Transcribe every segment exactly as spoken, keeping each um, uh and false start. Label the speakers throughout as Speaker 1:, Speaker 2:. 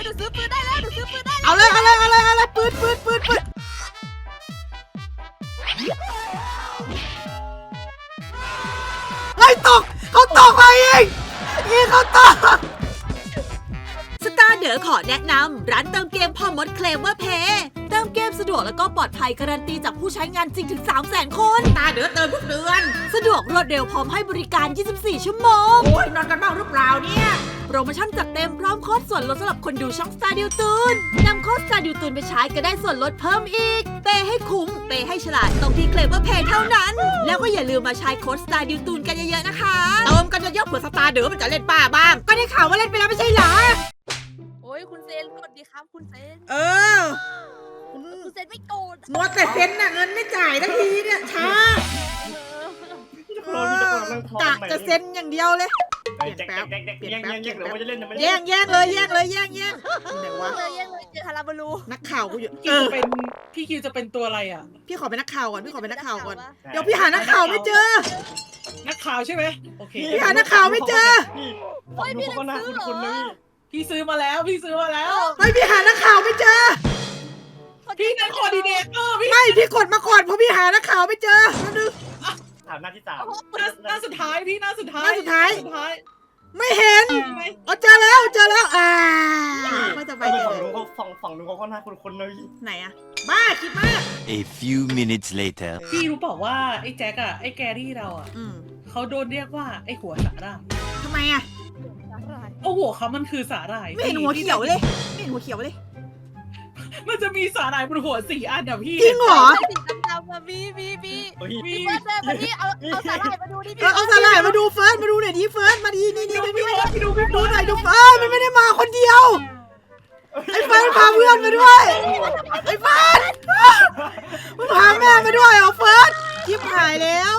Speaker 1: หนูซื้อปืนได้แล้วหนูซื้อปืนได้แล้ว
Speaker 2: เอาเลยเอาเลยเอาเลยเอาเลยปืนปืนปืนปืนเฮ้ยตกเขาตกมาเองยิงเขาตกสตาร์เดอขอแนะนำร้านเติมเกมพ่อมดเคลมว่าเพย์เติมเกมสะดวกแล้วก็ปลอดภัยการันตีจากผู้ใช้งานจริงถึง สามแสน คนสตาร์เดอเติมทุกเดือนสะดวกรวดเร็วพร้อมให้บริการ ยี่สิบสี่ ชั่วโมงโอ้ยนอนกันบ้างหรือเปล่าเนี่ยโปรโมชั่นจัดเต็มพร้อมโค้ดส่วนลดสำหรับคนดูช่องสตาร์ดิวตูนนำโค้ดสตาร์ดิวตูนไปใช้ก็ได้ส่วนลดเพิ่มอีกเปย์ให้คุ้มเปย์ให้ฉลาดตรงที่เคลมว่าเพย์เท่านั้นแล้วก็อย่าลืมมาใช้โค้ดสตาร์ดิวตูนกันเยอะๆนะคะเติมกันเยอะๆเผื่อสตาร์เดอมันจะเล่นป้าบ้างก็ได้ข่าวว่าเล่นไปแล้วไม่ใช่เหรอ
Speaker 1: โอ้ยคุณเซนกดดีครับคุณเซน
Speaker 2: เออ
Speaker 1: คุณเซนไม่โกรธ
Speaker 2: มัวแต่เซ็นน่ะเงินไม่จ่ายทันทีเนี่ยช้า
Speaker 3: โคลนมีแต่คนนั่งท้อง
Speaker 2: กะ
Speaker 3: ใหม่
Speaker 2: จะเซ็นอย่างเดียวเลย
Speaker 3: เฮ้ยแจ๊กแจ๊กแจ๊กแจ๊กแย่งแย่งแย่งเดี๋ยวมันจะเล่นเดี๋ยวมันจะ
Speaker 2: แย่
Speaker 3: เล่น
Speaker 2: งแย่งเลยแย่งเลยแย่งแย่งไหนวะ
Speaker 1: เลยยังเลยเจอฮาราบารู
Speaker 2: นักข่าวกูอยู่
Speaker 4: คิวจะเป็นพี่คิวจะเป็นตัวอะไรอ่ะ
Speaker 2: พี่ขอเป็นนักข่าวก่อนพี่ขอเป็นนักข่าวก่อนเดี๋ยวพี่หานักข่าวไม่เจอ
Speaker 4: นักข่าวใช่ไหมโอเค
Speaker 2: พี่หานักข่าวไม่เจอ
Speaker 3: นี่ฟังดูเขาก็น่าคุ้นๆนะพี่
Speaker 4: พี่ซื้อมาแล้วพี่ซื้อมาแล้ว
Speaker 2: เฮ้ยพี่หานักข่าวไม่เจอ
Speaker 4: พี่นั่นคอร์ดิเนเตอร์พี่
Speaker 2: ไม่พี่กดมาก่อนเพราะพี่หานักข่าวไม่เจอนึง
Speaker 3: ถามหน้าที่สาม
Speaker 4: หน้าหน้าสุดท้ายพี่หน้าสุดท้าย
Speaker 2: หน้าสุดท้าย
Speaker 4: หน้สุดท้าย
Speaker 2: ไม่เห็นอ๋อเจอแล้วเจอแล้วอ่าไม่สบายใจ
Speaker 3: ฝั่ง
Speaker 2: เลย
Speaker 3: นู้นเขาฝั่งฝั่งนู้นเขาก็น่าคุ้นๆนะพี่
Speaker 2: ไหนอะบ้าคิดมาก
Speaker 5: A few minutes later.
Speaker 4: พี่รู้เปล่าว่าไอ้แจ็คอะไอ้แกรี่เราอะ
Speaker 2: อืม
Speaker 4: เขาโดนเรียกว่าไอ้หัวสาหร่าย
Speaker 2: ทำไมอะ
Speaker 4: โอ้หัวเขามันคือสาหร่าย
Speaker 2: ไม่เห็นหัวเขียวเลยไม่เห็นหัวเขียวเลย
Speaker 4: มันจะมีสาหร่ายบนหัวสี่อันอะพี่
Speaker 2: จริงเหรอ
Speaker 1: สีดำๆมามีมีมี
Speaker 3: เฮ้ย
Speaker 4: มี
Speaker 1: เฟิร์สเดินมาที่เอาเอาสาหร่ายมาดูดิ
Speaker 2: เออเอาสลายมาดูเฟิร์สมาดูหน่อยดิเฟิร์สมาดีนี่นี่
Speaker 4: ดู
Speaker 2: นี่
Speaker 4: พี่
Speaker 2: นี่
Speaker 4: บอสดูพี่บ
Speaker 2: ดู
Speaker 4: อส
Speaker 2: หน่อยดูเฟิร์สมันไม่ได้มาคนเดียวไอ้เฟิร์สพาเพื่อนมาด้วยไอ้เฟิร์สมันพาแม่มาด้วยเหรอเฟิร์สชิบหายแล้ว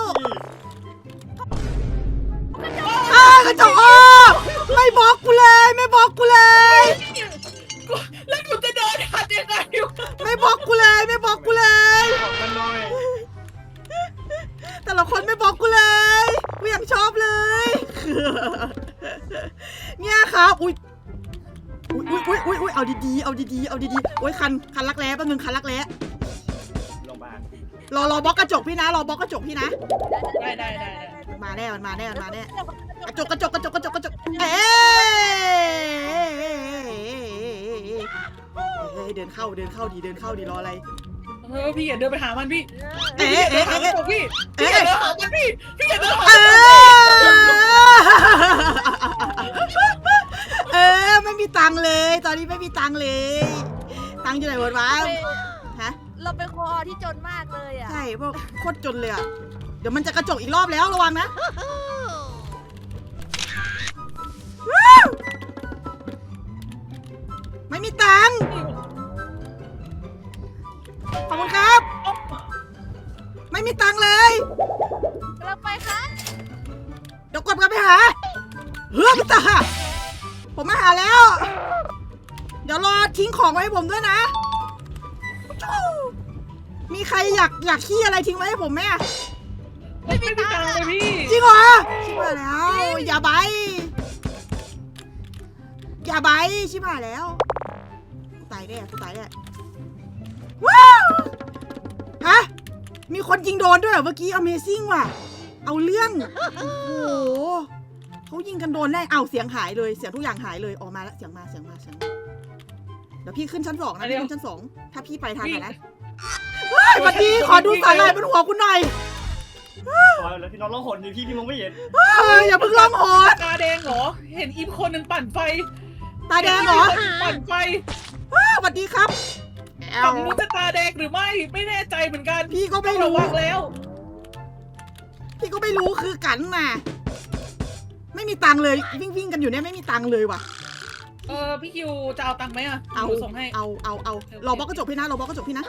Speaker 2: อ้ากระจกอ้อไม่บอกกูเลยไม่บอกกูเลย
Speaker 4: แล้วหนูจะเดินหัดยังไงวะ
Speaker 2: ไม่บอกกูเลยไม่บอกกูเลย
Speaker 3: บอกกันหน่อย
Speaker 2: แต่ละคนไม่บอกกูเลยกูยังชอบเลยเนี่ยครับอุ้ยอุ้ยอุ้ยอุ้ยอุ้ยเอาดีๆเอาดีๆเอาดีๆโอ้ยคันคันรักแร้แป๊บนึงคันรักแร้
Speaker 3: ลงมา
Speaker 2: รอรอบล็อกกระจกพี่นะรอบล็อกกระจกพี่นะ
Speaker 4: ได้ได้ได้ได้
Speaker 2: มาแน่มันมาแน่มันมาแน่กระจกกระจกกระจกกระจกกระจกเอ๊ะเดินเข้าเดินเข้าดีเดินเข้าดีรออะไร
Speaker 4: เออพี่อย่าเดินไปหามันพี่
Speaker 2: เอ๊ะ
Speaker 4: พี่อย่า
Speaker 2: เอ๊ะ
Speaker 4: เดินหา
Speaker 2: เอ๊ะ
Speaker 4: มันพี่พี่อย่าเดินหามันพี่พี่อย่าเดินหา
Speaker 2: เอ
Speaker 4: มัน
Speaker 2: อเออไม่มีตังค์เลย ตอนนี้ไม่มีตังค์เลย ตังค์อยู่ไหนหมดวะฮะ
Speaker 1: เราเป็นคอที่จนมากเลยอ่ะ
Speaker 2: ใช่พวกโคตรจนเลยอ่ะเดี๋ยวมันจะกระจกอีกรอบแล้วระวังนะไม่มีตังค์ขอบคุณครับ ไม่มีตังค์เลย
Speaker 1: เราไปค่ะ
Speaker 2: เดี๋ยวกดกันไปหาเฮ้ยพี่ตาผมมาหาแล้ว เดี๋ยวรอทิ้งของไว้ให้ผมด้วยนะมีใครอยากอยากขี้อะไรทิ้งไว้ให้ผมไหม
Speaker 4: ไม่มีตังค์เลยพี่
Speaker 2: จริงเหรอชิบหายแล้วอย่าใบอย่าใบชิบหายแล้วตายแน่ตายแน่ว้าวฮะมีคนยิงโดนด้วยเหรอเมื่อกี้ Amazing ว่ะเอาเรื่องโอ้โหเขายิงกันโดนแน่เอาเสียงหายเลยเสียงทุกอย่างหายเลยออกมาแล้วเสียงมาเสียงมาเสียงมาเดี๋ยวพี่ขึ้นชั้นสองนะพี่ขึ้นชั้นสองถ้าพี่ไปทางไหนนะเฮ้ยสวัสดีขอดูสาหร่ายบนหัวคุณหน่อย
Speaker 3: แล้วพี่น้องร้องหนอยู่พี่พี่มองไม่เห็น
Speaker 2: เฮ้ยอย่าเพิ่งร้องโหด
Speaker 4: ตาแดงเหรอเห็นอีมคนหนึ่งปั่นไฟ
Speaker 2: ตาแดงเหรอ
Speaker 4: ปั่นไฟ
Speaker 2: สวัสดีครับแอ
Speaker 4: ฝั่
Speaker 2: ล
Speaker 4: งนู้นจะตาแดงหรือไม่ไม่แน่ใจเหมือนกัน
Speaker 2: พี่ก็ไม่
Speaker 4: ต้องระ
Speaker 2: รู้
Speaker 4: วังแล้ว
Speaker 2: พี่ก็ไม่รู้คือกันมาไม่มีตังค์เลยวิ่งวิ่งกันอยู่เนี่ยไม่มีตังค์เลยว่ะ
Speaker 4: เออพี่คิวจะเอาตังค์ไหมอ่ะ
Speaker 2: เอา
Speaker 4: หนูส่งให้
Speaker 2: เอาเอาเอารอบล็อกกระจกพี่นะรอบล็อกกระจกพี่นะ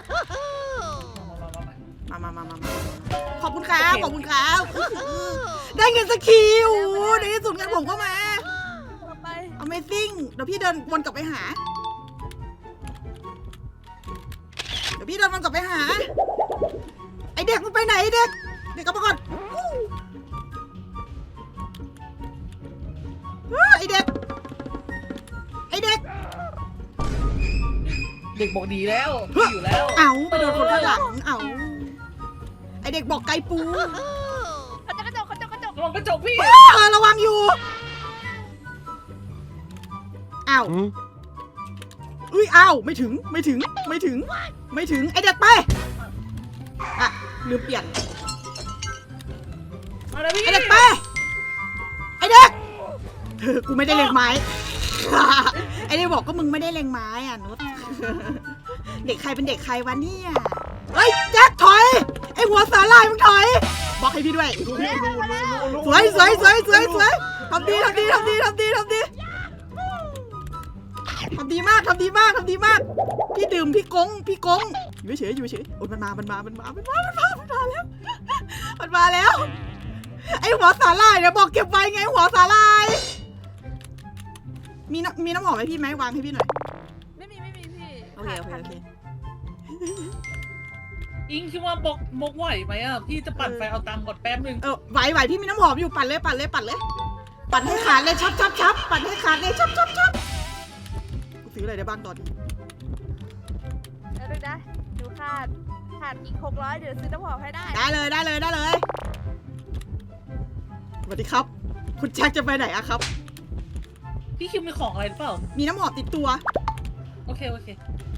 Speaker 4: มามามามา
Speaker 2: มามามามาขอบคุณครับขอบคุณครับได้เงินสักทีโอ้โหในที่สุดเงินผมก็มา
Speaker 1: เราไป
Speaker 2: Amazing เดี๋ยวพี่เดินวนกลับไปหาเดี๋ยวพี่เดินวนกลับไปหาไอเด็กมันไปไหนไอ้เด็กเด็กกลับมาก่อนไอเด็กไอเด็ก
Speaker 4: เด็กบอกดีแล้วพี่อยู่แล้ว
Speaker 2: เอาไปโดนคนข้างหลังเอาไอเด็กบอกไกลปู
Speaker 1: กระจกกระจกกระจกกระจก
Speaker 4: ระวังกระจกพี่
Speaker 2: เออระวังอยู่อ้าวอุ้ยอ้าวไม่ถึงไม่ถึงไม่ถึงไม่ถึงไอเด็กไปอะลืมเปลี่ยน
Speaker 4: มาแล้วพี่
Speaker 2: ไอเด็กไปไอเด็กเธอกูไม่ได้เล็งไม้ ไอเด็กบอกก็มึงไม่ได้เล็งไม้อ่ะนุช เด็กใครเป็นเด็กใครวะเนี่ยเฮ้ยแจ็คถอยไอหัวสาลายมึงถอยบอกให้พี่ด้วยสวยสวยสวยสวยสวยทำดีทำดีทำดีทำดีทำดีทำดีมากทำดีมากทำดีมากพี่ดื่มพี่กงพี่กงอยู่เฉยอยู่เฉยโอ้ยมันมามันมามันมามันมามันมามันมาแล้วมันมาแล้วไอหัวสาลายเนี่ยบอกเก็บไว้ไงหัวสาลายมีน้ำมีน้ำหอมไหมพี่ไหมวางให้พี่หน่อย
Speaker 1: ไม่มีไม่มีพี่
Speaker 2: โอเคโอเคโอเค
Speaker 4: อิงคิดว่าบกบกไหวไหมอ่ะพี่จะปั่นไฟเอาตังค์ก่อนแป๊บนึง
Speaker 2: เออไหวไหวพี่มีน้ำหอมอยู่ปั่นเลยปั่นเลยปั่นเลยปั่นให้ขาดเลยชับชับชับปั่นให้ขาดเลยชับชับชับกูซื้ออะไรได้บ้างตอนนี้
Speaker 1: เออดูนะดูขาดขาดอีกหกร้อยเดี๋ยวซื้อน้ำหอมให้ได้
Speaker 2: ได้เลยได้เลยได้เลยสวัสดีครับ คุณแจ็คจะไปไหนอะครับ
Speaker 4: พี่คิวมีของอะไรหรือเปล่า
Speaker 2: มีน้ำหอมติดตัว
Speaker 4: โอเคโอเค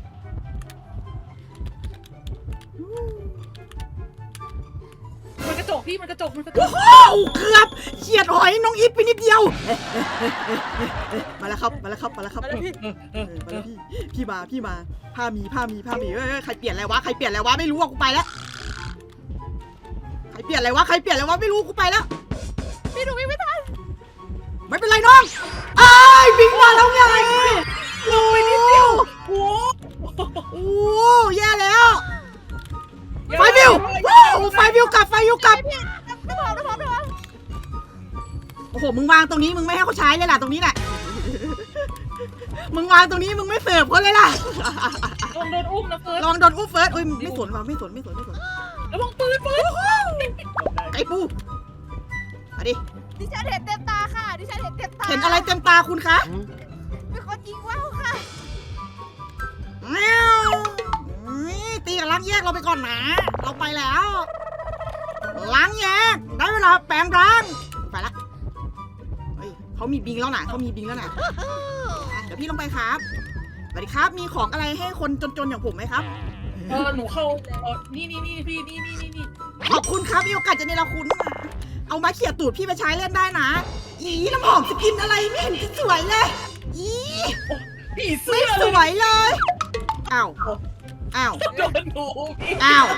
Speaker 4: มันกระจกพี่มันกระจกมันกระจ
Speaker 2: โอ้
Speaker 4: ก
Speaker 2: โหเกือบเฉียดหอยน้องอีฟไปนิดเดียวมาแล้วครับมาแล้วครับมาแล้วครับ
Speaker 1: มาแล้วพี่
Speaker 2: เออมาแล้วพี่พี่มาพี่มาผ้ามีผ้ามีผ้ามีเอ้ยเอ้ยใครเปลี่ยนอะไรวะใครเปลี่ยนอะไรวะไม่รู้อะกูไปแล้วใครเปลี่ยนอะไรวะใครเปลี่ยนอะไรวะไม่รู้กูไปแล้ว
Speaker 1: พี่ดูวิ่งไม่ทัน
Speaker 2: ไม่เป็นไรน้องไอ้ายบิ๊กมาแล้วไงโอ้ยนิดเดียว
Speaker 4: โอ้
Speaker 2: โอ้แย่แล้วไฟวิวว้าวไฟวิวกลับไฟวิวกลับ
Speaker 1: พี่น้ำหอมน้ำหอมน้ำหอม
Speaker 2: โอ้โหมึงวางตรงนี้มึงไม่ให้เขาใช้เลยล่ะตรงนี้แหละมึงวางตรงนี้มึงไม่เสิร์ฟเขาเลยล่ะ
Speaker 4: ลองโดนอุ้มนะเฟิร์ส
Speaker 2: ลองโดนอุ้มเฟิร์สอุ้ยไม่สนว่ะไม่สนไม่สนไม่สน
Speaker 4: ระวังปืนปืน
Speaker 2: ไก่ปูมาดิ
Speaker 1: ดิฉันเห็นเต็มตาค่ะดิฉันเห็นเต็มตา
Speaker 2: เห็นอะไรเต็มตาคุณคะ
Speaker 1: เป็นคนยิงว่าวค่ะ
Speaker 2: แมวนี่ตีกับล้างแยกเราไปก่อนนะ เราไปแล้ว ล้างแยก ได้เวลาแปลงร่าง ไปละเฮ้ยเขามีบิงแล้วนะเขามีบิงแล้วนะอ่ะเดี๋ยวพี่ลงไปครับ สวัสดีครับ มีของอะไรให้คนจนๆอย่างผมไหมครับ
Speaker 4: เออหนูเข้าเออนี่นี่นี่พี่นี่นี่นี่นี่
Speaker 2: ขอบคุณครับมีโอกาสจะเนรคุณ เอามาเขี่ยตูดพี่ไปใช้เล่นได้นะ อีน้ำหอมสกินอะไรไม่เห็นจะสวยเลย อี
Speaker 4: ผีเสื้
Speaker 2: ไม่
Speaker 4: อ
Speaker 2: ส
Speaker 4: เลย
Speaker 2: วยเลย อ้าว อ้าว
Speaker 4: โดนหนูพี่
Speaker 2: อ้าว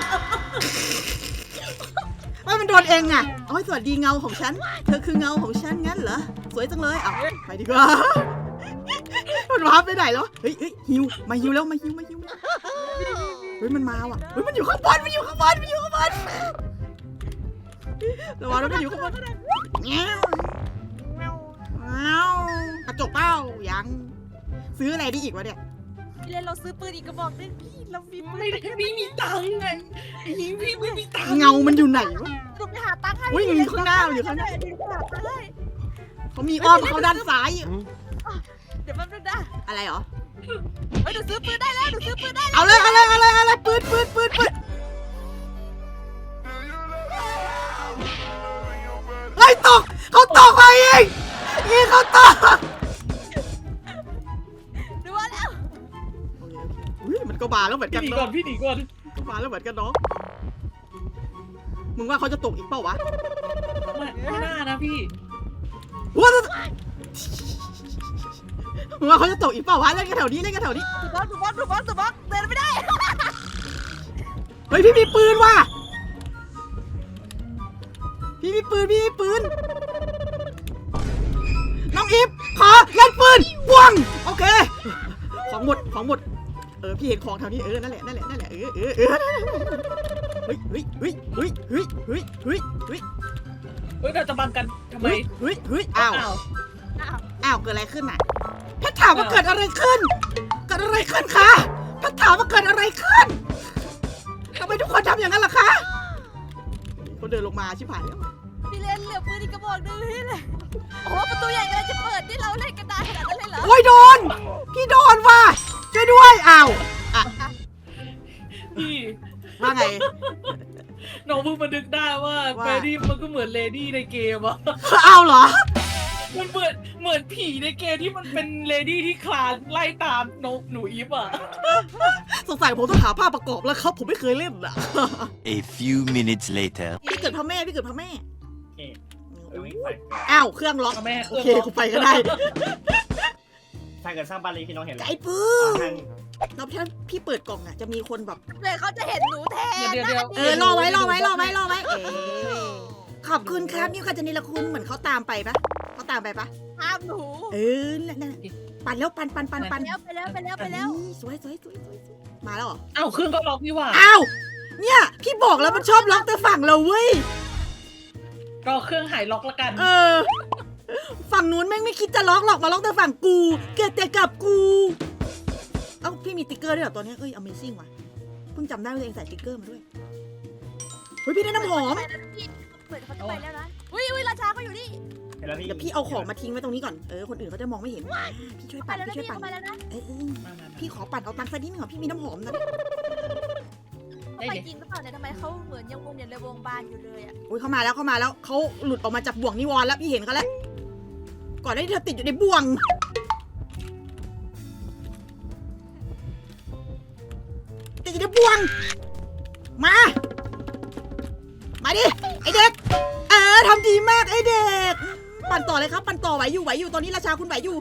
Speaker 2: ว่ามันโดนเองอ่ะโอ้ยสวัสดีเงาของฉัน เธอคือเงาของฉันงั้นเหรอ สวยจังเลยเอาไปดีกว่า มันว้าไปไหนแล้ว เฮ้ยเฮ้ยฮิว มาฮิวแล้วมาฮิวมาฮิวเฮ้ยมันมาว่ะ เฮ้ยมันอยู่ข้างบนมันอยู่ข้างบนมันอยู่ข้างบนระวังมันอยู่ข้างบนแง่วแง่วกระจกเป้ายัง ซื้ออะไรได้อีกวะเนี่ย
Speaker 1: พี่เลนเราซื้อปืนอีกกระบอกนึงพี่เรามีปืน
Speaker 4: ไม่ได้ไม่มีตังค์ไงพี่พี่ไม่มีตังค์
Speaker 2: เงามันอยู่ไหนวะ
Speaker 1: ดูไปหาตังค์ให้
Speaker 2: อุ๊ยมันอยู่ข้างหน้ามันอยู่ข้างหน้า
Speaker 1: เดี๋ยวหาตังค์ให้
Speaker 2: เขามีอ้อมเขาด้านซ้าย
Speaker 1: เดี๋ยวแป๊บนึงนะ
Speaker 2: อะไรเหรอ
Speaker 1: เฮ้ยหนูซื้อปืนได้แล้วหนูซื้อปืนได้แล้ว
Speaker 2: เอาเลยเอาเลยเอาเลยเอาเลยปืนปืนปืนปืนเฮ้ยตกเขาตกไปเองยิงเขาตก
Speaker 1: ดูว่าแล้ว
Speaker 2: อุ้ยมันก็บาแล้วเหมือน
Speaker 4: พี่
Speaker 2: กัน
Speaker 4: หนีก่อ
Speaker 2: เนาะ
Speaker 4: นพี่หนีก่อน
Speaker 2: ก็บาแล้วเหมือนกันเนาะมึงว่าเขาจะตกอีกเปล่าวะ
Speaker 4: ไม่ไม่น่านะพี่
Speaker 2: ว้ามึงว่าเขาจะตกอีกเปล่าวะเล่นกันแถวนี้เล่นกันแถวนี้
Speaker 1: ดูบอสดูบอสดูบอสดูบอสเดินไม่ได้
Speaker 2: เฮ้ยพี่มีปืนว่ะพี่มีปืนพี่มีปืนน้องอีฟขอเล่นปืนวงโอเคของหมดของหมดเออพี่เห็นของแถวนี้เออนั่นแหละนั่นแหละนั่นแหละเออเออเออเฮ้ยเฮ้ยเฮ้ยเฮ้ยเฮ้ยเฮ้ยเฮ้ยเฮ้ย
Speaker 4: เฮ้ยเราจะบังกันทำไม
Speaker 2: เฮ้ยเฮ้ยเฮ้ยอ้าว
Speaker 4: อ้าว
Speaker 1: อ้าว
Speaker 2: อ้าวเกิดอะไรขึ้นน่ะแพทถามว่าเกิดอะไรขึ้นเกิดอะไรขึ้นคะแพทถามว่าเกิดอะไรขึ้นทำไมทุกคนทำอย่างนั้นล่ะคะเขาเดินลงมาชิบหายแล้ว
Speaker 1: พี่เลนเหลือปืนอีกกระบอกนึงพี่เลยโอ้โหประตูใหญ่กำลังจะเปิดนี่เราเล่นกันนานขนาดนั้นเลยเหรอ
Speaker 2: โอ้ยโดนพี่โดนว่ะช่วยด้วยอ้าวอ้าว
Speaker 4: พี่
Speaker 2: ว่าไง
Speaker 4: น้องเพิ่งมานึกได้ว่า
Speaker 2: ว่า
Speaker 4: เฟรดดี้มันก็เหมือนเลดี้ในเกมอะ
Speaker 2: เอาเหรอ
Speaker 4: มันเหมือนเหมือนผีในเกมที่มันเป็นเลดี้ที่คลานไล่ตามนกหนูอีฟอะ
Speaker 2: สงสัยผมต้องหาภาพประกอบแล้วครับ ผมไม่เคยเล่นอ่ะ
Speaker 5: A few minutes later.
Speaker 2: พี่เกิดพระแม่พี่เกิดพระแม่
Speaker 3: โอเคเดี๋ยวไม่ไป
Speaker 2: อ้าวเครื่องล็อก
Speaker 4: แม่
Speaker 2: โอเคกูไปก็ได้
Speaker 3: ถ้าเกิดสร้างบ้านเล็กพี่น้องเห็นแล้ว
Speaker 2: ไอ้ปื้
Speaker 3: อ่าม
Speaker 2: แล้วถ้าพี่เปิดกล่องอ่ะจะมีคนแบบ
Speaker 1: เดี๋ยวเขาจะเห็นหนูแทน
Speaker 4: เดี๋ยวเดี๋ยว
Speaker 2: เออรอไว้รอไว้รอไว้รอไว้ เออขอบคุณครับนี่ค่ะจะนิรคุณเหมือนเขาตามไปปะเขาตามไปปะ
Speaker 1: ห้ามหนู
Speaker 2: เออนั่นนั่นปั่นแล้วปั่นปั่นปั่น
Speaker 1: ไป
Speaker 2: ปั่น
Speaker 1: แล้วไปแล้วไปแล้วไปแล้ว
Speaker 2: นี่สวยสวยสวยสวยสวยมาแล้วเหรอ
Speaker 4: เอ้าเครื่องก็ล็อกนี่หว่า
Speaker 2: อ้าวเนี่ยพี่บอกแล้วมันชอบล็อกแต่ฝั่งเราเว้ย
Speaker 4: รอเครื่องหายล็อกละกัน
Speaker 2: เออ ฝั่งนู้นแม่งไม่คิดจะล็อกหรอกมาล็อกแต่ฝั่งกูเกิดแต่กับกู เอ้าพี่มีติ๊กเกอร์ด้วยเหรอตัวเนี้ยเอ้ย Amazing ว่ะเพิ่งจำได้ว่าตัวเองใส่ติ๊กเกอร์มาด้วยเฮ้ยพี่ได้น้ำหอม
Speaker 1: เหมือนเขาจะไปแล้วนะอุ้ยอุ้ยราชาเขาอยู่นี่
Speaker 3: เห็นแล้วพี่
Speaker 2: เดี๋ยวพี่เอาของมาทิ้งไว้ตรงนี้ก่อนเออคนอื่นเขาจะมองไม่เห็นพี่ช่วย
Speaker 1: ไป
Speaker 2: ปั่น
Speaker 1: แล้วนะ
Speaker 2: พี่ช่วย
Speaker 1: พี่
Speaker 2: ปั่น
Speaker 1: เขาไปแล้วนะ
Speaker 2: เออเออ
Speaker 4: มามามา
Speaker 2: พี่ขอปั่นเอาตังค์สักนิดนึงเหรอพี่มีน้ำหอมนะ
Speaker 1: เขาไปจริงหรือเปล่าเนี่ยทำไมเขาเหมือนยังวงเนี่ยเลยวงบานอยู่เลยอ่ะ
Speaker 2: อุ้ยเขามาแล้วเขามาแล้วเขาหลุดออกมาจากบ่วงนิวรณ์แล้วพี่เห็นเขาแล้วก่อนหน้านี้เธอติดอยู่ในบ่วงติดอยู่ในบ่วงมา มาดิไอเด็กเออทำดีมากไอเด็กปั่นต่อเลยครับปั่นต่อไหวอยู่ไหวอยู่ตอนนี้ราชาคุณไหวอยู่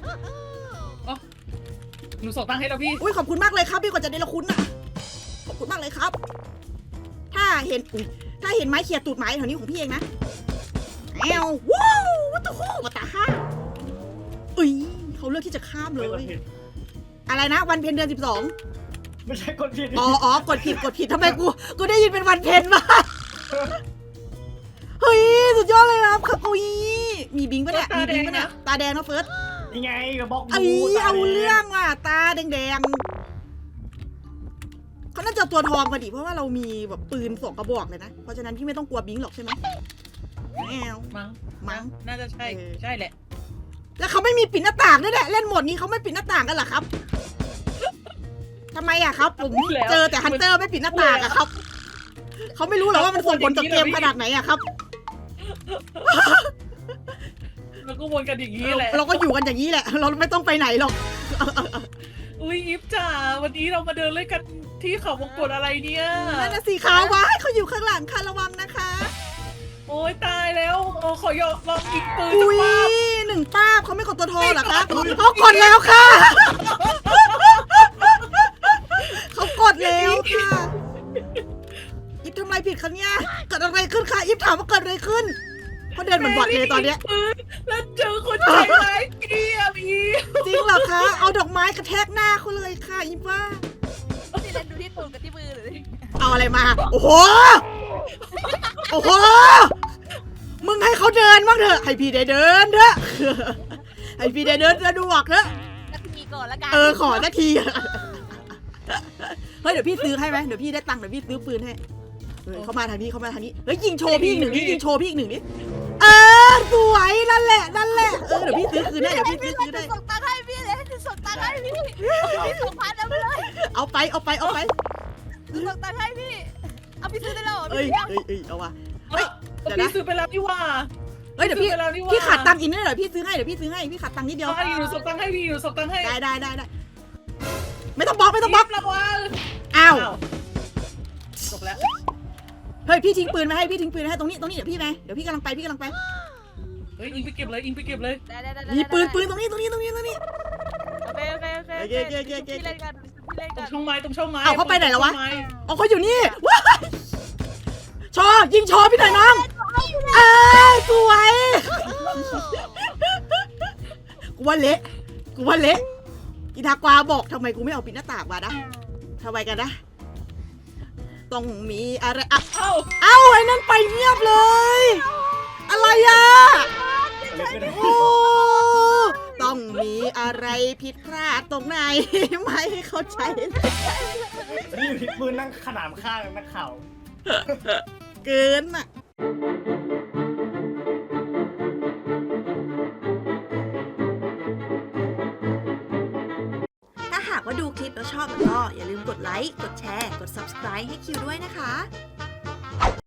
Speaker 4: หนูส่งตังค์ให้แล้วพี่
Speaker 2: อุ้ยขอบคุณมากเลยครับพี่กว่าจะได้ละคุณน่ะขอบคุณมากเลยครับ ถ้าเห็นอุ้ยถ้าเห็นไม้เขี่ยตูดไม้แถวนี้ของพี่เองนะแอวว้าววัตถุคู่วัตถุห้าอุ้ยเขาเลือกที่จะข้ามเล
Speaker 3: ไม่
Speaker 2: ย
Speaker 3: กดผิด
Speaker 2: อะไรนะวันเพ็ญเดือนสิบสอง
Speaker 3: ไม่ใช่กดผิด
Speaker 2: อ๋ออ๋อกดผิดกดผิดทำไมกูกูได้ยินเป็นวันเพ็ญมาเฮ้ยสุดยอดเลยครับค่ะกุยมีบิงปะเนี่ยมีบิงปะเนี่ยตาแดงนะเฟิร์ส
Speaker 3: ยังไงกับบล็อก
Speaker 2: ไอ้เอาเรื่องว่ะตาแดงๆเขาน่าจะตัวทองมาดิเพราะว่าเรามีแบบปืนสองกระบอกเลยนะเพราะฉะนั้นพี่ไม่ต้องกลัวบิงหรอกใช่ไหมแมว
Speaker 4: มั้ง
Speaker 2: มั้ง
Speaker 4: น่าจะใช่
Speaker 2: เออ
Speaker 4: ใช่แหละ
Speaker 2: แล้วเขาไม่มีปิดหน้าต่างด้วยแหละเล่นโหมดนี้เขาไม่ปิดหน้าต่างกันเหรอครับทำไมอะครับผมเจอแต่ฮันเตอร์ไม่ปิดหน้าต่างอะครับเขาไม่รู้หรอว่ามันส่งผลต่อเกมขนาดไหนอะครับ
Speaker 4: เราก็วนกันอย่างนี้แหละ
Speaker 2: เราก็อยู่กันอย่างนี้แหละ เราไม่ต้องไปไหนหรอก
Speaker 4: อุ้ยอีฟจ๋าวันนี้เรามาเดินเล่นกันที่เขาวงกตอะไรเนี่ย
Speaker 2: นั่นน่ะสีขาววะเขาอยู่ข้างหลังค่ะระวังนะคะ
Speaker 4: โอ้ยตายแล้วโอ้ขอยอมลองยิงปืน
Speaker 2: อุ้ย
Speaker 4: จะป้าบ
Speaker 2: หนึ่งป้าบเขาไม่กดตัวโทรเหรอคะเขากดแล้วค่ะ เขากดแล้วค่ะอิฟทำอะไรผิดคะเนี่ยเกิดอะไรขึ้นคะอิฟถามว่าเกิดอะไรขึ้นเขาเดินเหมือนบอดเลยตอนเนี้ย
Speaker 4: ปืนแล้วเจอคนใจร้ายเกลียบอีฟ
Speaker 2: จริงเหรอคะเอาดอกไม้กระแทกหน้าเขาเลยค่ะอิฟว่า
Speaker 1: นี่เล่นดูที่ตูดกับที่มือเลย
Speaker 2: เอาอะไรมา โอ้โห โอ้โห มึงให้เขาเดินบ้างเถอะ ให้พี่ได้เดินเถอะ ให้พี่ได้เดินสะดวกเถอะ
Speaker 1: นาทีก่อนละกัน
Speaker 2: เออขอนาที เฮ้ยเดี๋ยวพี่ซื้อให้ไหมเดี๋ยวพี่ได้ตังค์เดี๋ยวพี่ซื้อปืนให้เฮ้ยเขามาทางนี้เขามาทางนี้ เฮ้ยยิงโชว์พี่อีกหนึ่งนี่ยิงโชว์พี่อีกหนึ่งนี่เออสวยนั่นแหละนั่นแหละ เออเดี๋ยวพี่ซื้อคืนให้เดี๋ยวพี่ซื้อคืนให้
Speaker 1: ส่งตังค์ให้พี่เลยส่งตังค์ให้พี่พี่ส่งพันเอาไปเลย
Speaker 2: เอาไปเอาไปเอาไป
Speaker 1: ส่งตังค์ให้พี่เอาพี่ซื้อได้แล้วเหรอ
Speaker 2: เอ้ย
Speaker 1: พี่
Speaker 2: เอ้ยเอ้ยเอาว่ะ เฮ้ยเดี๋ยวนะ
Speaker 4: พี่ซื้อไปแล้วนี่ว่า
Speaker 2: เฮ้ยเดี๋ยวพี่
Speaker 4: ซื้อไปแล้วนี่ว่า
Speaker 2: พี่ขาดตังค์อีกนิดหน่อยพี่ซื้อให้เดี๋ยวพี่ซื้อให้พี่ขาดตังค์นิดเดียว
Speaker 4: เอาอยู่ส่งตังค์ให้พี่อยู่ส่งตังค์ให้
Speaker 2: ได้ได้ได้ได้ไม่ต้องบล็อกไม่ต้องบล็อก
Speaker 4: ระวัง
Speaker 2: อ้าว
Speaker 4: จบแล้ว
Speaker 2: เฮ้ยพี่ทิ้งปืนมาให้พี่ทิ้งปืนมาให้ตรงนี้ตรงนี้เดี๋ยวพี่ไปเดี๋ยวพี่กำลังไปพี่กำลังไป
Speaker 4: เฮ้ยอิงไปเก็บเลยอิงไปเก็บเลย
Speaker 1: ได้ได้ได้
Speaker 2: มีปืนปืนตรงนี้ตรงนี้ตรงนี้ตรงนี้
Speaker 1: โอเคโอเคโอเค
Speaker 2: โอเคโอเคโอเคโอเค
Speaker 1: พี่เล่นกันพี่เล่น
Speaker 4: ตร
Speaker 1: กั
Speaker 4: ง
Speaker 1: น
Speaker 4: ช่องไม้ตรงช่องไม้
Speaker 2: เอาเขาไปไหนแล้ววะ
Speaker 4: ตรงช่องไม้
Speaker 2: อ๋อเขาอยู่นี่ว้ายชอยิงชอพี่หน่อยน้องเอ้ยสวยกูว่าเละกูว่าเละอีทากวาบอกทำไมกูไม่เอาปิดหน้าต่างมานะทำไมกันนะต้องมีอะไรอ่ะ
Speaker 4: เอ้า
Speaker 2: เอ้าไอ้นั่นไปเงียบเลย อะไรอ่ะ โอ้ต้องมีอะไรผิดพลาดตรงไหน ไม่เข้าใจเลย
Speaker 3: นี่อยู่ที่ปืนนั่งขนามข้างนักข่าว
Speaker 2: เกินอ่ะ ถ้าหากว่าดูคลิปแล้วชอบแล้วก็อย่าลืมกดไลค์ กดแชร์ กด ซับสไครบ์ ให้คิวด้วยนะคะ